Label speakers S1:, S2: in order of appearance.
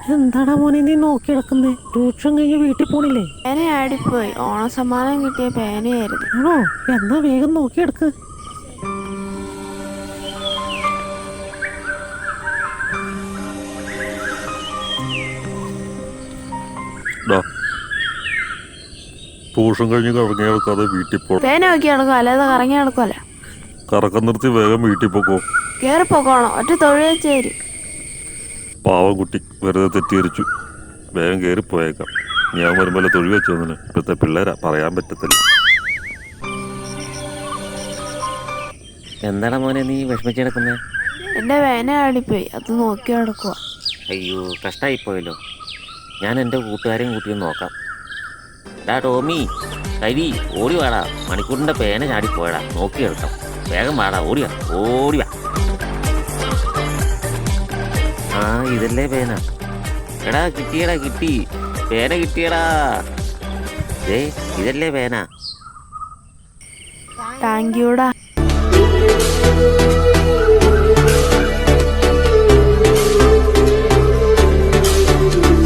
S1: എന്താടാ മോനെ നീ നോക്കി കിടക്കുന്നേ? ട്യൂഷൻ കഴിഞ്ഞ് വീട്ടിൽ പോണില്ലേ?
S2: പേന ആടിപ്പോയി. ഓണസമ്മാനം കിട്ടിയ പേനയായിരുന്നു.
S1: ആണോ? എന്നാ വേഗം നോക്കിയെടുക്ക്.
S3: ട്യൂഷൻ കഴിഞ്ഞ് കറങ്ങി നടക്കാതെ വീട്ടിൽ പോ.
S2: പേന നോക്കി നടക്കും, അല്ലാതെ കറങ്ങി നടക്കുമല്ല.
S3: കറക്കം നിർത്തി വേഗം വീട്ടിൽ പോക്കോ.
S2: കേറിപ്പോക്കോണം, ഒറ്റ തൊഴിൽ വെച്ചേര്.
S3: പാവം കുട്ടി വെറുതെ തെറ്റിദ്ധരിച്ചു. വേഗം കയറി പോയേക്കാം. ഞാൻ വരുമ്പോൾ തൊഴിൽ വെച്ചു വന്നിന്. ഇപ്പോഴത്തെ പിള്ളേരാ, പറയാൻ പറ്റത്തില്ല.
S4: എന്താണ് മോനെ നീ വിഷമിച്ചെടുക്കുന്നത്?
S2: എന്റെ പേന ആടിപ്പോയി, അത് നോക്കി നടക്കുക.
S4: അയ്യോ, കഷ്ടമായിപ്പോയല്ലോ. ഞാൻ എൻ്റെ കൂട്ടുകാരെയും കൂട്ടി നോക്കാം. ഡാ ടോമി, കരി, ഓടി വാടാ. മണിക്കൂറിൻ്റെ പേന ചാടിപ്പോയടാ, നോക്കിയെടുക്കാം. വേഗം വാടാ, ഓടിയാ ഓടിവാ. ആ, ഇതല്ലേ പേന. എടാ കിട്ടിയടാ, കിട്ടി പേന, കിട്ടിയടാ. ഇതല്ലേ പേന.
S2: താങ്ക് യൂടാ.